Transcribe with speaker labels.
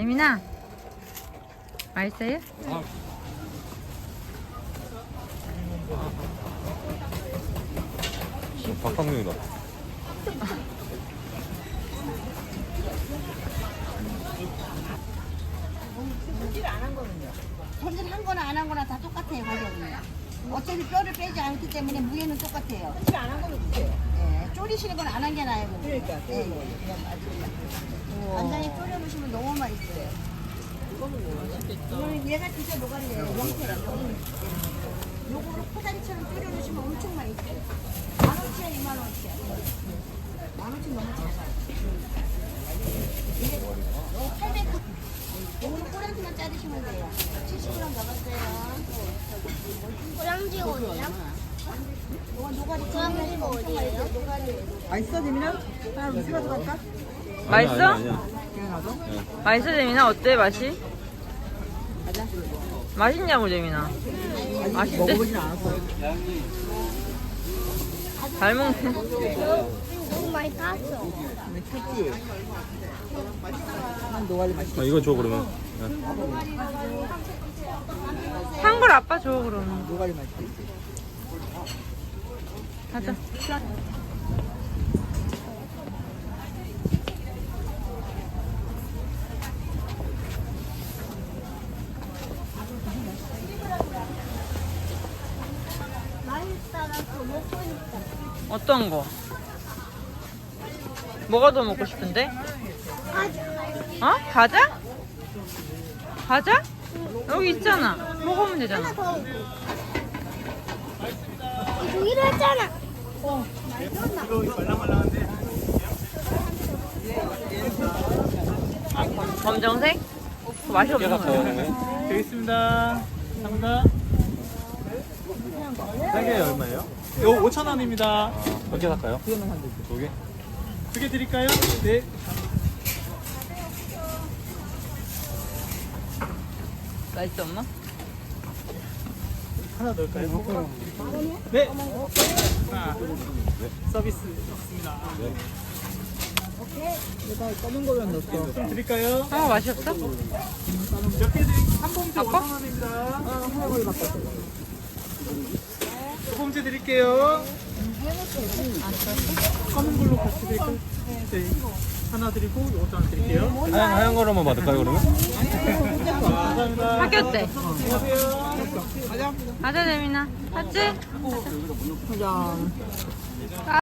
Speaker 1: 재민아, 맛있어요?
Speaker 2: 박상명이다.
Speaker 3: 손질한 거나 안 한 거나 다 똑같아요, 가격은요. 어차피 뼈를 빼지 않기 때문에 무게는 똑같아요. 손질 안 한 거는 주세요. 예, 졸이시는 건 안 한 게 나아요. 그러니까. 예, 그냥 맞습니다. 간장에 졸여 놓으시면 너무 맛있어요. 이거는 얘가 진짜 노가리예요. 명태예요. 요거를 포다리처럼 졸여 놓으시면 엄청 맛있어요. 15,000원, 25,000원. 15,000원 너무 작아요. 이게 800g. 요거는 꼬랑지만 자르시면 돼요. 70g 남았어요.
Speaker 4: 꼬랑지 어디야?
Speaker 3: 이건 노가리
Speaker 4: 꼬랑지가 어디예요?
Speaker 3: 맛있어, 재민아? 하나 미스라도 갈까?
Speaker 1: 맛있어?
Speaker 3: 그냥 가죠?
Speaker 1: 맛있어, 재민아? 어때, 맛이?
Speaker 3: 가자.
Speaker 1: 맛있냐고, 재민아. 맛있대?
Speaker 3: 먹어보진 않았어.
Speaker 1: 잘 먹네.
Speaker 4: 너무 많이 탔어.
Speaker 3: 근데 탔지? 난 노가리 맛있어.
Speaker 2: 이거 줘 그러면.
Speaker 1: 산 걸 아빠 줘, 그러면.
Speaker 3: 노가리 맛있어.
Speaker 1: 가자.
Speaker 4: 맛있다가 더 먹고 싶다.
Speaker 1: 어떤 거? 뭐가 더 먹고 싶은데? 어? 과자? 과자? 여기 있잖아. 먹으면 되잖아.
Speaker 4: 하나 더. 여기로 했잖아.
Speaker 1: 검정색? 그거 맛이 없는 거야.
Speaker 5: 되어 있습니다. 감사합니다. 세 개 얼마예요? 이거 5,000원입니다.
Speaker 2: 몇 개 살까요? 두 개?
Speaker 5: 두 개 드릴까요? 네.
Speaker 1: 맛있어, 엄마?
Speaker 5: 하나 넣을까요? 네. 하나. 서비스 있습니다.
Speaker 3: 내가 검은 거면 넣었어.
Speaker 5: 좀 드릴까요?
Speaker 1: 아, 맛이 없어?
Speaker 5: 몇 개 드릴까요? 한 봉지
Speaker 1: 아빠?
Speaker 5: 5,000원입니다.
Speaker 3: 하나를 바꿨어.
Speaker 5: 두 봉지 드릴게요. 검은 걸로 같이 드릴까요? 네. 하나 드리고 5,000원 드릴게요.
Speaker 2: 하얀 거로만 받을까요 그러면?
Speaker 5: 감사합니다.
Speaker 1: 학교 때.
Speaker 5: 안녕하세요.
Speaker 1: 가자, 재민아. 맞지?
Speaker 3: 가자.